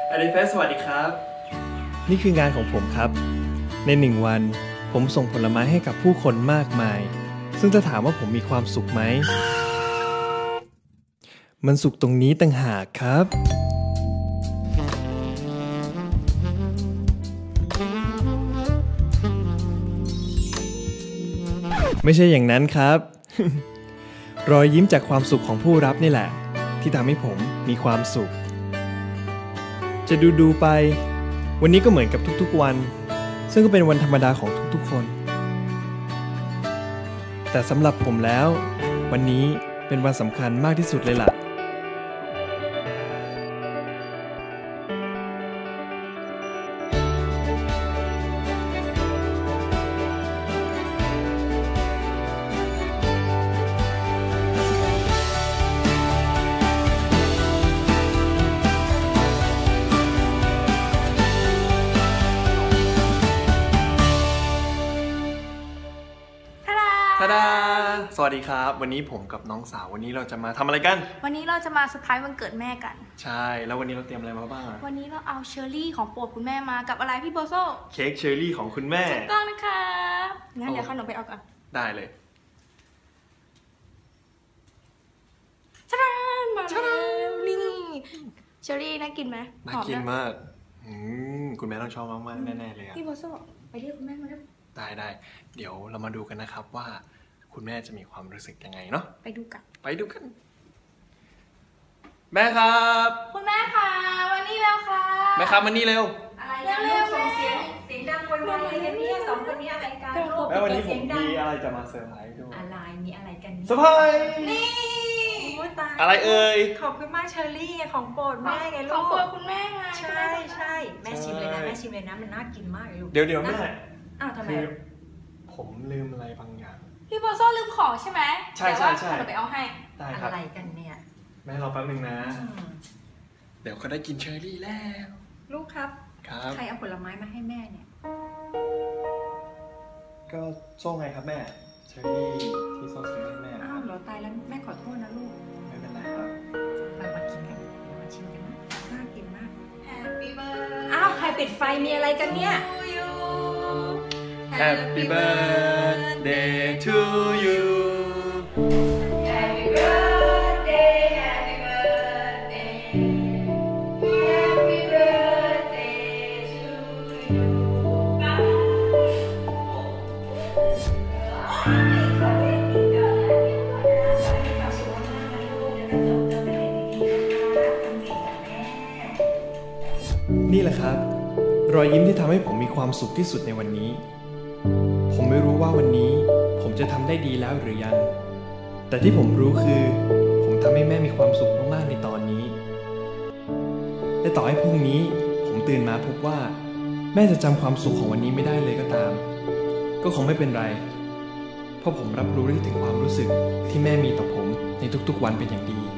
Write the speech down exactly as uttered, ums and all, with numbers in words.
อลิเฟสสวัสดีครับนี่คืองานของผมครับในหนึ่งวันผมส่งผลไม้ให้กับผู้คนมากมายซึ่งจะถามว่าผมมีความสุขไหมมันสุขตรงนี้ต่างหากครับไม่ใช่อย่างนั้นครับ รอยยิ้มจากความสุขของผู้รับนี่แหละที่ทำให้ผมมีความสุขจะดูดูไปวันนี้ก็เหมือนกับทุกๆวันซึ่งก็เป็นวันธรรมดาของทุกๆคนแต่สำหรับผมแล้ววันนี้เป็นวันสำคัญมากที่สุดเลยล่ะทาดาสวัสดีครับวันนี้ผมกับน้องสาววันนี้เราจะมาทำอะไรกันวันนี้เราจะมาเซอร์ไพรส์วันเกิดแม่กันใช่แล้ววันนี้เราเตรียมอะไรมาบ้างวันนี้เราเอาเชอร์รี่ของโปรดคุณแม่มากับอะไรพี่โบโซเค้กเชอร์รี่ของคุณแม่ถูกต้องนะคะงั้นเดี๋ยวขนมไปเอาก่อนได้เลยชาดานมาแล้วนี่เชอร์รี่น่ากินไหมน่ากินมากคุณแม่ต้องชอบมากๆแน่ๆเลยพี่โบโซไปเรียกคุณแม่มาแล้วได้ได้เดี๋ยวเรามาดูกันนะครับว่าคุณแม่จะมีความรู้สึกยังไงเนาะไปดูกันไปดูกันแม่ครับคุณแม่ค่ะวันนี้แล้วค่ะแม่ครับวันนี้เร็วอะไรเร็วส่งเสียงเสียงดังวันวันอะไรกันเนี่ยสองคนนี้อะไรกันแม่วันนี้ผมมีอะไรจะมาเซอร์ไพรส์ด้วยอะไรมีอะไรกันเซอร์ไพรส์นี่อะไรเอ่ยขอบคุณมากเชอร์รี่ของโปรดแม่ไงลูกของโปรดคุณแม่ไงใช่ใช่แม่ชิมเลยนะแม่ชิมเลยนะมันน่ากินมากเลยลูกเดี๋ยวเดี๋ยวแม่อ้าวทำไมผมลืมอะไรบางอย่างพี่โบโซลืมของใช่ไหมใช่ใช่ใช่เดี๋ยวไปเอาให้ได้ครับอะไรกันเนี่ยแม่รอแป๊บนึงนะเดี๋ยวเขาได้กินเชอร์รี่แล้วลูกครับครับใครเอาผลไม้มาให้แม่เนี่ยก็โซ่ไงครับแม่เชอร์รี่ที่โซ่ซื้อให้แม่อ้าวเหรอตายแล้วแม่ขอโทษนะลูกไม่เป็นไรครับมามากินกันมาชิมกันนะน่ากินมาก Happy birthday อ้าวใครปิดไฟมีอะไรกันเนี่ย Happy birthday to you Happy birthday Happy birthday Happy birthday to you นี่แหละครับรอยยิ้มที่ทำให้ผมมีความสุขที่สุดในวันนี้ผมไม่รู้ว่าวันนี้ผมจะทำได้ดีแล้วหรือยังแต่ที่ผมรู้คือผมทำให้แม่มีความสุขมากๆในตอนนี้และต่อให้พรุ่งนี้ผมตื่นมาพบว่าแม่จะจำความสุขของวันนี้ไม่ได้เลยก็ตามก็คงไม่เป็นไรเพราะผมรับรู้ได้ถึงความรู้สึกที่แม่มีต่อผมในทุกๆวันเป็นอย่างดี